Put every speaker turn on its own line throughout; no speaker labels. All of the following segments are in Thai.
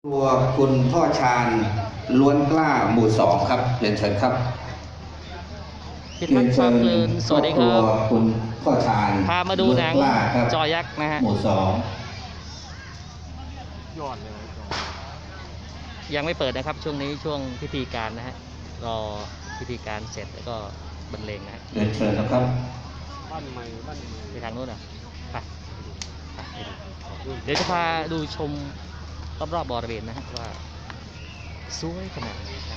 ตัวคุณพ่อชาญล้วนกล้าหมู่สองครับเรียนเชิญครับ
พิทักษ์ความเพลินสวัสดีครับ
คุณพ่อชาญ
พามาดูหนัง
ล้วนกล้าครับ
จอยักษ์นะฮะ
หมู่สอง
ยอดเลยจอ
ยังไม่เปิดนะครับช่วงนี้ช่วงพิธีการนะฮะรอพิธีการเสร็จแล้วก็บรรเลงนะฮะ
เรียนเชิญนะครับ
บ้านใหม่
ไปทางนู้นอ่ะไปดูเดี๋ยวจะพาดูชมรอบๆบริเวณนะฮะว่าสวยขนาดไหนครับ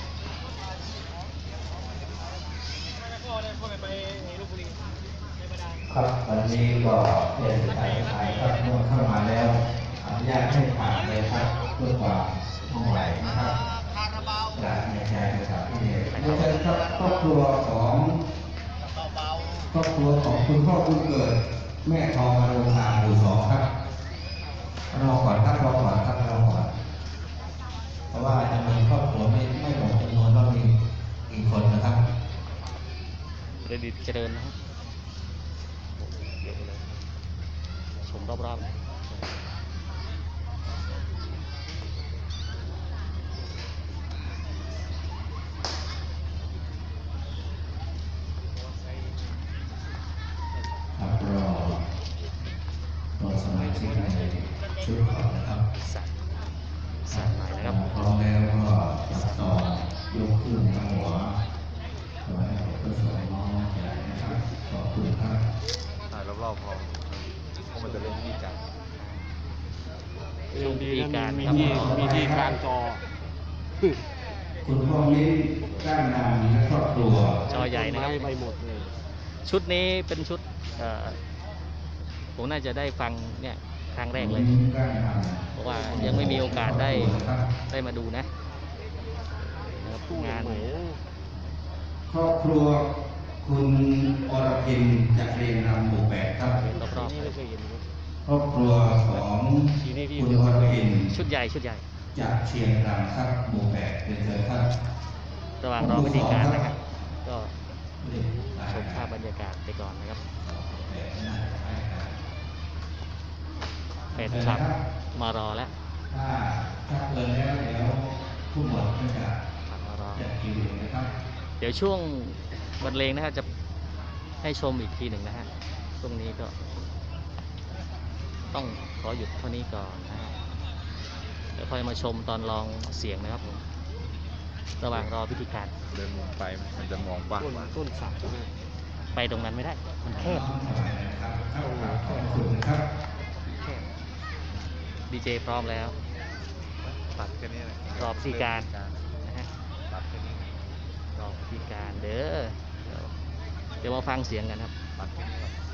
ครับวันนี้ก็เรียนสายครับเมื่อเข้ามาแล้วอนุญาตให้ผ่านเลยครับเพื่อความมั่นใจนะครับจากในใจนะครับที่เรียนเชิญครับครอบครัวของคุณพ่อคุณเกิดแม่ทองอารมณ์ทางหมู่สองครับรอก่อนครับรอก่อนครับรอก่อนเพราะว่าจะมีครอบครัวไม่หมดจำนวนว่ามีกี่คนนะครับ
เรดิตเจริญนะฮะเยอะเลยชมรอบๆ
ครับรอสมาชิกในชุดก่อนนะครับ
สั่นหน่อยนะครับ
พร้อมแล้วก็จับต่อยกขึ้นทางหัวขอให้เพื่อสวยน้องใหญ่นะครับขอบคุณครับ
ถ่ายรอบๆพอเพราะมันจะเล่นที่กัน
ช่วงพิธีการ
มี
นะครับ
ที่กลางจอ
คุณพ่อมิ้นก้านนามและครอบครัว
จอใหญ่นะครับ
ไปหมดเลย
ชุดนี้เป็นชุดผมน่าจะได้ฟังเนี่ยครั้งแรกเลย
ก้านนาม
เพราะว่ายังไม่มีโอกาสได้มาดูนะนะครับ
ตู้
งาน
ใหม่
ครอบครัวคุณอรพินจากเรียนรำหมู่แปดครับ
รอบ
นี่ไม่เคยเห็นครับ
ครอบครัวของคุณอรพิน
ๆชุดใหญ่
จากเชียงรำครับหมู่แปดเรียนเชิญครับ
ระหว่างรอพิธีการนะครับ ก็ชมภาพบรรยากาศไปก่อนนะครับเป็นคลับมารอแล้ว
ถ้าเกินแล้วเดี๋ยวผู้หมวดก็จะ
ขับมารอ
จัดคิวเองนะครับ
เดี๋ยวช่วงบรรเลงนะครับจะให้ชมอีกทีหนึ่งนะฮะช่วงนี้ก็ ต้องขอหยุดเท่านี้ก่อนนะฮะเดี๋ยวค่อยมาชมตอนลองเสียงนะครับผมระหว่างรอพิธีการ
เดินมุมไปมันจะมองกว้าง
ต้นสักนะ
ไปตรงนั้นไม่ได้มันแคบ
ขอบคุณนะครับ
ดีเจพร้อมแล้ว
ตัดแค่นี้เลย
รอพิธีการนะฮะ
ตัดแค่นี้
รอพิธีการเด้อเดี๋ยวมาฟังเสียงกันครับ
ตัดแค่นี้ก่อน